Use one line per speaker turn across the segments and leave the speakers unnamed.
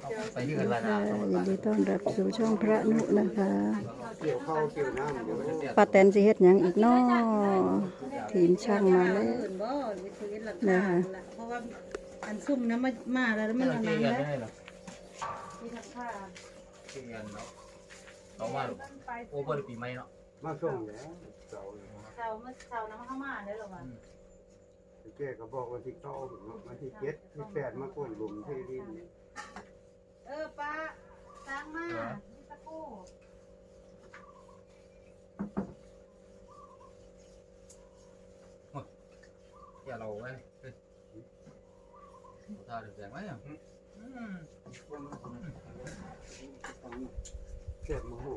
ไปยืนละนะ
ยินดีต้อนรับสู่ช่องพระนุนะคะ
เกี่ยวข้าวเกี่ยวน้ำเดี๋ยว
ป้าแตนสิเฮ็ดหยังอีกน้อทีมช่างมาแล้ว
บ่หรือชีวิตหลัก
นะคะ
เพราะว่าอันซุ่มนะมาแล้วมันอันนั้นแล้ว
ได้หรอ
ที่ทักผ้า
ที่เงินเนาะเอามาหรอโอ้เปิดปีใหม่เนาะ
มาส่งแล้วเสาร์
เช้าน้ำเข้ามาได้หรอวะ
แกก็บอกวันที่9วันที่7ที่8มาก้นหลุมที่ดิน
ป้าสร้างมาที่ตะกู้
อย่าเราไว้ถ้าเดือดแรงไหมอ่ะ
แซ่บมาโห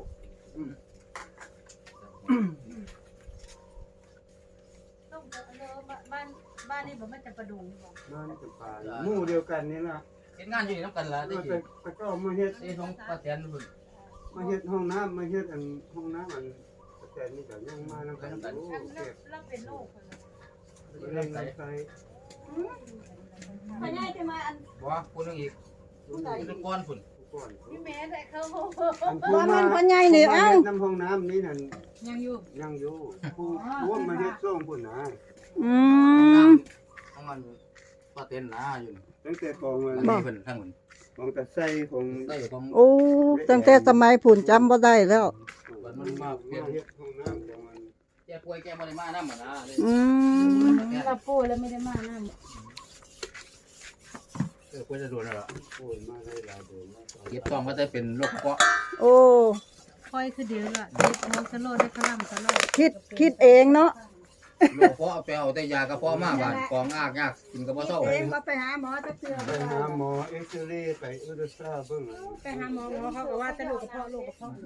ต้องบ้านนี่ผมมันจะประดุงบ่
บ้านจะป่าหมู่เดียวกันนี่ล่ะ
เห็นงานอยู่น้ำกันละได้
มา
ยิน
ไปก็มาเฮ็ด
ได้ท้องป้าแตนหุ่น
มาเฮ็ดห้องน้ำมาเฮ็ดอันห้องน้ำอันแต่นี่ก็ยังมานำกันอยู่เก็บ
แล้วเป็นโรค
เล่นกันใส่
พญายจะมาอัน
บ่คนนึงอีกคนก้อนฝุ่น
ก่อน
พี่แม่ได้เขา
อันผู้
ว่า
มา
มันพ่อใหญ่นี่เอ้า
น้ำห้องน้ำนี่นั่น
ยังอยู่
ยังอยู่ผู้ร่วมมาเฮ็ดส่งพุ่นนะ
อืม
ของมันป้าแตนนะอยู่
ตั้งแต่กองมัน
นี่เพิ่นทั้งหุ่น
ของตะไส้ของ
ได้ของ
โอ้ตั้งแต่สมัยผุ่นจำบ่ได้แล้ว
มันมาเปลี่ยน
เฮ็ดห้องน้ำของมัน
แกป่วยแกบ่ได้มาน้ำมันนะ
อืม
เราปูแล้วไม่ได้มาน้ำ
ป่วยจะโดนแล้ว
โอ้ยมาได้หลายเดือนแล้ว
เก็บต้องก็จะเป็นโรคเกาะ
โอ้
ค่อยคือเดียวละเด็กโมสโลได้ขลังตลอด
คิดเองเนาะ
โรคเกาะไปเอาแต่ยากระเพาะมาบาดกองยากกินกระเพาะเศร้า
เองว่าไปหาหมอจักเทื่อ
ไปหาหมอเอ็กซเรย์ไปอุลตราซาวด์เบิ่ง
ไปหาหมอเขาก็ว่าจะลูกกระเพาะลูกกระเพาะ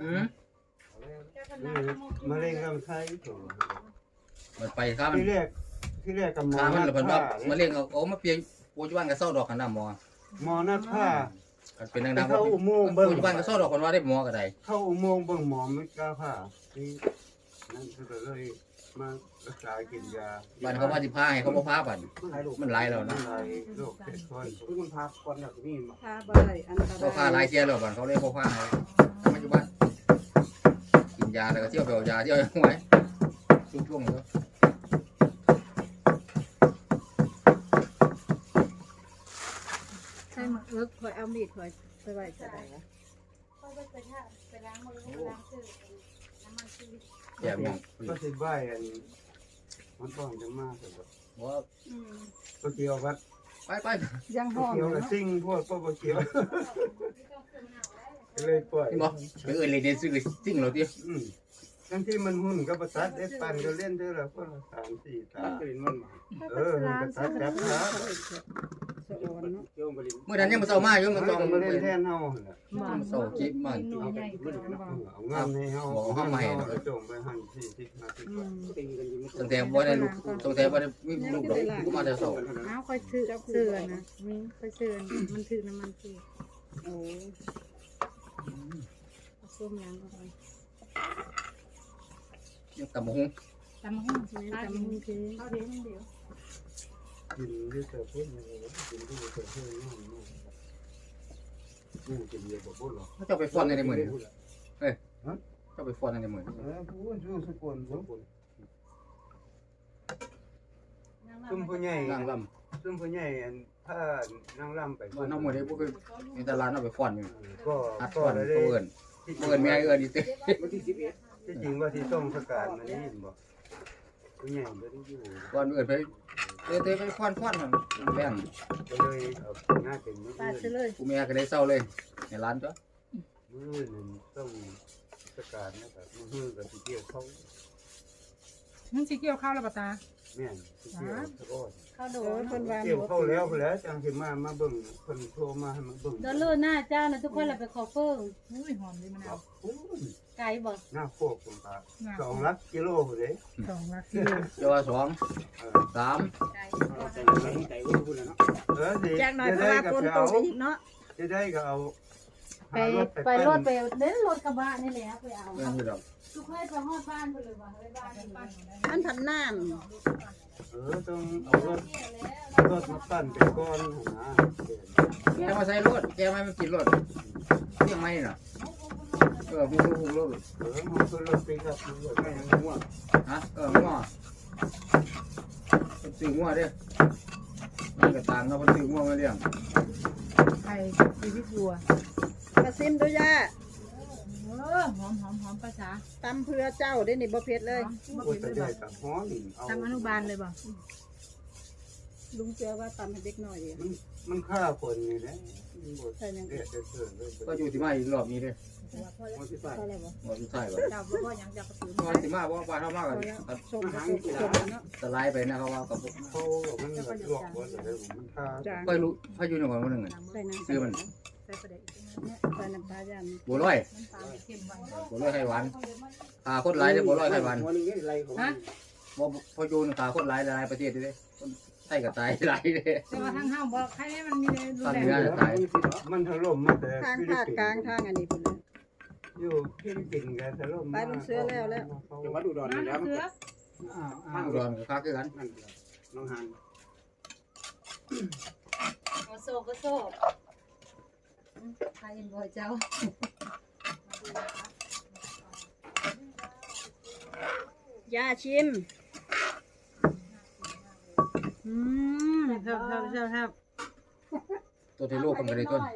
มะเร็งลำไส้ตัว
มันไปข้ามัน
ที่แรกกับหมอ
ข้ามัน
นั
แล้ว
ด
เพิ่น
ผ้า
ว่ามาเลี้ยงเอามาเปลี่ยนปัจจุบันก็เศร้าดอกกันน้ำหมอ
หมอนัดผ้า
กันเป็นดังๆปัจจุบันก็เศร้าดอกคนว่าได้หมอก็ได้
เข้าอุโมงค์เบิ่งหมอไม่กล้าผ้าที่นั่นก็เลยมารักษากินยา
บ้านเขาว่าสิพาให้เขาบ่พาบัดมันหลายแล้วนะ
หลายโรคเจ็ดคนมันพาก่อนแบบนี้
พาบ่ได้อันต
บ่พาร
าย
หลายเที่ยแล้วบัดเขาเลยบ่พาให้ปัจจุบันกินยาแล้วก็เที่ยวไปเอายาเที่ยวไว้ช่วงๆแล้ว
ใช่มาคอยเอามีดคอยไปไว้จะได้ละคอยไปล้างมือล้างชื่อน้ำมันชีวิต
แย่มอง
ก็สิใบอันมันต้องจะมากแต่แบบ
บ่
ก็เกี่ยววัด
ไป
ยัง
ก็
ห้อง
เกี่ยวกับซิ่งพวกก็เกี่ยวเลยปล่อย
ๆบ่ไปเอิ้นเลยเด้ซื้อจริงเหรอติ
ทั้งที่มันหุ่นก็ประทัดได้ปันก็เล่นเท่าละคนละ3-4ตาก็เล่นมันมามันประทัดจับขา
เมื่อนั้นยังบ่เศร้ามาอยู่มันต้อง
มาเล่นแทนเฮาหั่นน่ะ
เศร้าจิบมัน
เอางานให้เฮาจงไปหั่น40-50
ตั้งแต่บ่ได้ลูกตั้งแต่บ่ได้มีลูกดอกกูมาแต่เศร้า
เอาคอยซื้อเสื้อนะมีคอยเสื้อมันถือน้ำมันชี
โอ้
ส้มยางเข้าไป
ยังตำบักหุ่ง
ตำหุ้งใช่ไหมตำหุ้งคือเขาเลี้ยงเดียว
กินด้วยเตาเพื่อนกินด้วยเตาเพื่อนนี่กินเยอะกว่าพุ่นหรอ
เขาเจ้าไปฟ้อนในมื้อนี้เฮ้ยเจ้าไปฟ้อนในมื้อนี้
พุ่นสู้สกุลซุ่มผู้ใหญ่
นางล
ซุ่มผู้ใหญ่ถ้านางลำไป
ำว่าน้องมื้อนี้บ่คือมีแต่ร้านเอาไปฟ้อนอยู่
ก็
อัด
ก็
ฟ้อน
ได้
เอิ้นแม่เอิ้นอีเต้
ที่จริงว่าที่ต้องสกัดมันนี่บ่ผู้ใหญ่บ่ได้อยู่
ก่อนเอิ้นไปเต้ไปฟ้อนนั่นแบ่ง
ก็เลยเอาหน้าเป็นมือ
ปาดเลย
กูแม่ก็ได้เศร้าเลยในร้านจ้ะ
มือนึงต้องสกัดนะครับมือกับที่เกี่ยวเขา
มันสิเกี่ยวข้าวแล้วปะตา
แม่นที่เกี่ยวสะก้อน
เข้าโด
โอ้
น
เพิ่นว่า
เกี่ยวเข้าแล้วจังสิมาเบิ่งเพิ่นโทรมาให้มาเบิ่ง
เดินเลื่อนหน้าเจ้านะทุกคนเราไปขอเพิ่ม
อุ้ยหอมดีมะนาว
ไก่บ่
หน้าโคกคุณตา2 ลักกิโลพุ่นเด้
2 ลักกิโล
เจ้าว่า2 3
ไก่
สิ
จากหน่อยเพราะว่าฝนตกอีกเนาะ
จะได้ก็เอา
ไปรถไปเน้นรถกระบะนี่แหละไปเอา
เรื่องนี้ดอก
ทุกคนไปฮอดบ้านไปเลยว่าไปบ้านนี่
มันผันน้
ต้องเอารถมาปั้นเป็นก้อนนะ
แกมาใส่รถแกไม่มากินรถเรื่องไม่น่ะพูดรถ
มันคือรถปีกับมันไม่ยังง่วง
ฮะงัวซื้องัวเด้มันก็ต่างเนาะมันซื้องัวมาเลี้ยง
ไข่ชีวิตวัว
ำมาซิมดูย่า
หอมภาษา
ตำเพื่อเจ้าได้นี่บ่เผ็ดเลย
โอ้ยแต่ใหญ่กับฮ้อนเอา
ทำอนุบาลเลยบ่
ลุงเจอว่าตำให้เด็กน้อยดี
มันฆ่าคนนี่แหละมันบดเด็ดเสือเลย
ก็อยู่ที่มาอีกรอบนี้เด้
มันสิไป
อะไรบ่
บ่ที่ใช่บ่
เจ้าบ่ยังจะกระตือ
บ่ที่มาบ่บ้านเฮามาก็
ชมกระเนาะ
สไลด์ไปนะเขาว่ากับ
เขามันหลอกว่าแต่มันฆ่า
จาง
ค่อยรู้พายุในก่อนมื้อนึง
ใส่น้ำ
ซื้อมัน
ใส่ประเดี๋ยว
ใส่น้ำตาลย่าง
บัวลอย
น้ำตาลเข้มไว้
บัวลอยไข่หวานขาคนหลายเด้บัวลอยไข่หวาน
วันนี้อะไรของ
ฮะ
บ่พออยู่ขาคนหลายประเทศเด้คนไทยก็ตายหลายเด้
แต่ว่าทางห้างบอกใครให้มันมีเลยรุนแรง
มันถล่มมาแต่
ทางภาคกลางทางอันนี้พุ่นเลย
อยู่ฟิลิปปินส์กันถล่ม
ไปลุงเสือแล้ว
จังหวัดอุดรนี่แล้ว
เสือ
ห้างอุดรก็คักคือกัน
น้องฮัน
เอาโซ่ก็โซ่ใครบ่เจ้า
ย่าชิม
ครับ
ตัวที่โลกคนก็ได้ต้น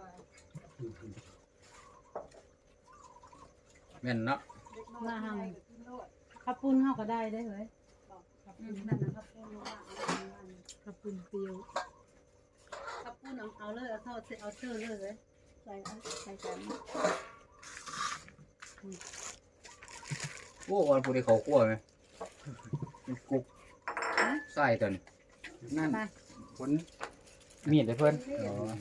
แม่นเนาะ
มาหังขับปุ้นเฮาก็ได้ได้เฮ้ยนั่นน่ะขับปุ้นว่า
ขับปุ่นเปรี้ยว
ขับปุ้นเอาเลยเอาเท่าเอาเชื่อเลยใส่กัน
โอ้วันผู้ใดเขาคั่วมั้ยมันกุกใส่ตอนนั่นผลมีดให้เพิ่นอ๋อ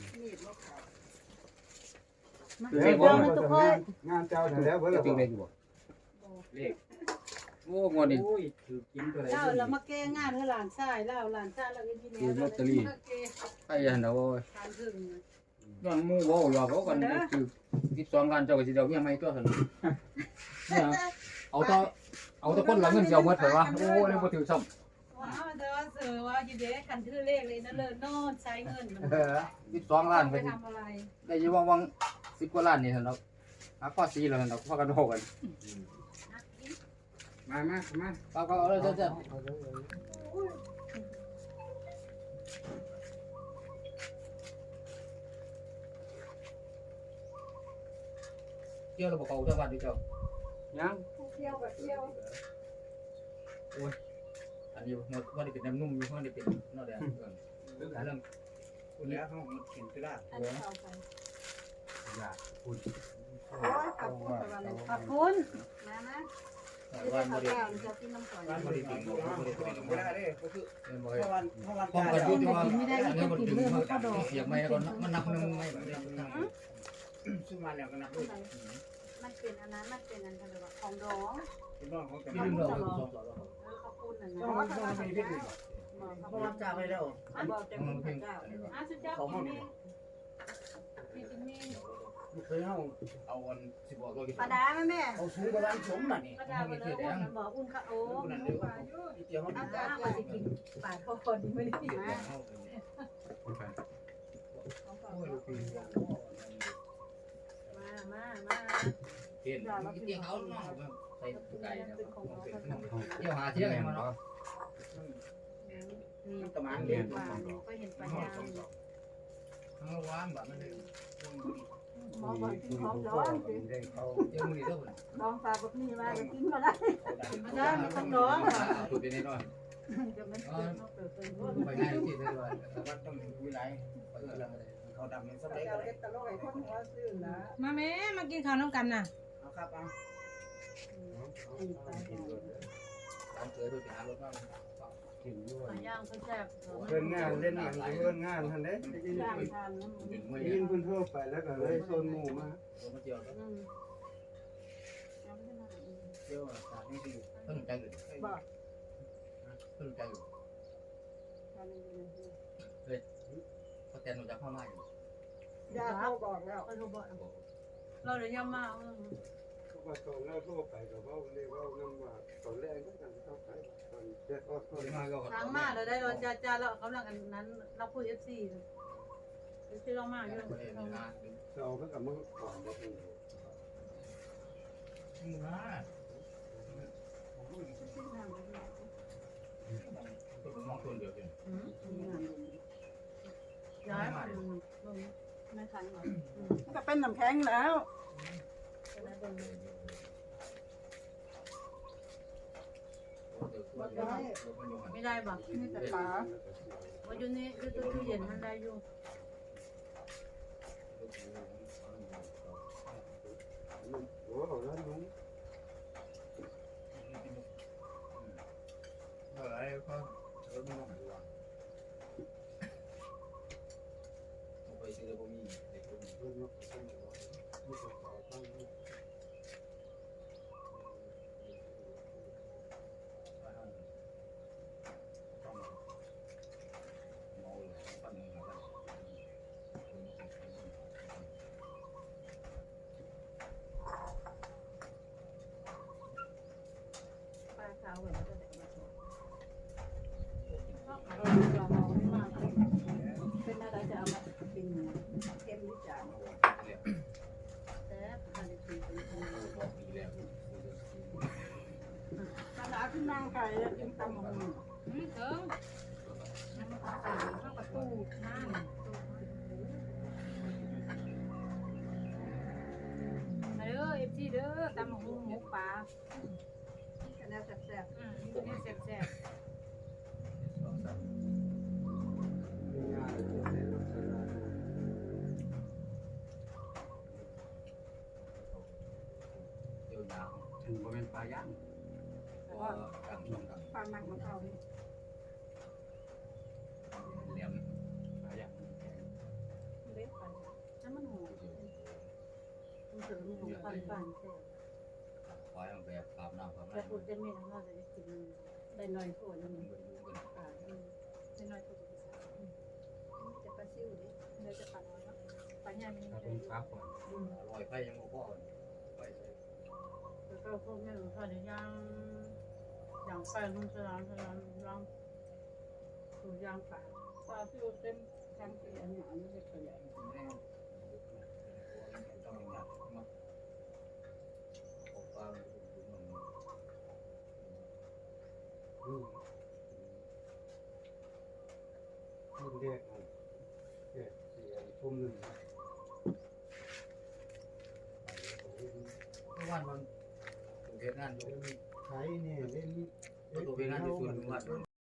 แล้วงานเจ้าแล้วเพิ่น
จริงได้อยู่บ่เลขโอ้งวดนี้ถือกินตัวไหน
เล่าแล้วมาแก้งานให้หลานชายเล่าหลานชายเราก็ยินดีแล้ว
ใครยันเอา
ทานถึง
ย้อนหมู่เว้าหยอกเขากันคือ12ล้านเจ้าก็สิเอาเมียใหม่ตัวซั่นเนี่ยเอาต่คนละเงินสิเอาหมดเถอะวะโอ้เลยบ่ถือซ้ำ
ว้าวแต่ว่าเสือว่าอยู่เด็กคันถือเลขเลยนะเลิศนอนใช้เงินมัน
12ล้าน
ไป
ก็สิ
ทำอะไร
ได้อยู่วัง10กว่าล้านนี่ซั่นดอกหาข้อ4แล้วซั่นดอกพากันโหกันมาก็เอาเลยจ้ะเที่ยวระบบเขาจังหวัดดิเจ้ายัง
เที่ยวแบบเที่ยว
อันนี้หมดว่าได้เป็นน้ำนุ่มอยู่ว่าได้เป็นนอแดงเรื่องคุณแล้วเขาเห็นตัวได้
อันนี้เอาไป
อยากคุณ
ขอบคุณนะนะ
บ้าน
ข้า
บ
ว
ริ
แก้วจะกินน้ำก่อน
บ้านบริเป็นบริเป็นไม่ได้เด้ก็คือเป็นบริ
เพราะวัน
ป้องกันยุ่งว่าเนี่ยมันถึงเสียงไม่แล้วก็มันนับนึงไม่แบบนี้
ซื้อมาแล้วก็นับด้วย
มันเป็นอันนั้นมันเป็นอันทะเลของร้อง
เป็นน้องของกัน
ที่ลืมเราสอง
ขอบคุณนะ
เพราะว่าเขาไม่ได้เพราะว่าจ่าไปแล้ว
บอกจะมีพระเจ้าสุดยอดคุณแม่พี่จิมมี่
เคยเอาวัน
สิบบอกเรากี่
ปลาดาแม่
เอาซื้อกระดานสมน่ะนี่
ปลาดาไปเลยมันบอกอุ่นค่ะโอ้
นั่นเดียวเดียวมัน
อาจารย์ว่าจะกินปลาทอดนี่ไม่ได้กินนะมา
เห็นเกี่ยวเขาเนาะใส่ไก่เนี่ยเกี่ยวหาเที่ยงมาเนาะ
นี่ประมาณนี้ปลาก็เห็นปลาย่าง
ทั้งวันแบบนั้นเลย
หมอบอกกินของร้อน
เจ้ามือเท่าไหร่
ลองปลาแบบนี้มาก็กินมาได้มาได้มีของร้อน
ถูกไปแน่นอน
จะมันเปิด
ไปง่ายที่สุดเลย
วัดต้องคุยไรเขาดำในสมัยอะไร
มาแม่มากินข้าวน้ำกันน่ะ
เอาครับเอา
ร้านเจอโดยหารถมาก
กินด้วย
ปลาย่างก็แซ่บ
เล่นงานเล่นหนังเล่นงานทันเด้
ย่างทาน
ดึงไม่
ยินพื้นทั่วไปแล้วก็เลยโซนหมู่มา
มาเจียว
เที่ยวจากนี่ดี
เพิ่งใจอยู่เพิ่งใจอยู่เขาแทนหนูจะเข้ามาอยู่
ย่าเขาบอกแล้ว
เขาโทรบอกเราเดี๋ยวย่ำมา
เขาว่าตอนแรกเขาไปกับว่าเรียกว่าน้ำว่าตอนแรกก็กันเขาไปตอนเจ็ดอด
ตัวนี้มาก็
ทางมาเราได้เราจะเรากำลังอันนั้นเราพูด FC ที่เรามาอยู่
เราเพิ่งกับมือก่อนได้เอง
นี่นะตัวน้องตัวเดียวเอง
ย้าย
ไม่ทันหรอกก็เป็นน้ำแข็งแล้ว
ไม่ได้บ่
นี่แต่ปลา
ว่าอยู่นี่อยู่ตู้เย็นมันได้อยู่
โอ้โหแล้วลุง
อะไรก็รถไม่ต้องดูว่าไปซื้อแล้วก็มีเด็กคนนี้
ลุงก็ต้องบอกว่าไม่ต้องต่อตั้งนี่
ต้องเมาเลยปั้นมือมาได้
ปลาขาวแบบก็ได้มาสด
เราเราไม่มา
เป็นอะไรจะเอามากินเค็มหรือจาง
แต่อันนี้คือเป็น
ปีแล้ว
ปลาขึ้นนางไก่แล้วกินตำบักหุ่ง
เถิงเข้าประตูนั่นมาเด้อ FC เด้อตำหูหมูปลา
คะแนนแซ่บ
นี่แซ่บ
ง่ายๆเลยรถสลา
เดี๋ยวยาวถึงบริเวณปลาย่างก็ดังดัง
ๆปลาหมักมะพร้าวนี่
เหลี่ยมปลาย่าง
เล็กไปน้ำมันหอมมันถึงหอมปันปันแซ่บ
ควายมันแบบอาบน้ำอาบ
แต่
น้ำ
พูดจะมีน้ำเราจะกิน
ได้หน่อยโถนึง
มันดูกัน
ปลา
เป็นน้อยตัว
จะปลาซิ่วดิ
เดี๋ยวจะปัดน้อยแล้วปัดยามี
ถ้าเป็นปลาก่อนอร่อยไฟยังพ่อไปใส่
แล้วก็พวกนี้เขาจะย่างย่างไปลุงสลามย่างสูตรย่างปลา
ปลาซิ่วเต็มทั้งที่อันนี้อันนี้เล็กตัวใหญ่
ต้องอย่างนี้มาปลา
รุ่นแรกมันแค่เสียทุ่มหนึ่ง
เพราะว่ามันถูกเหตุงานอยู่
ใช้เนี่ยเล่น
ถูกเหตุงานที่สุดมัน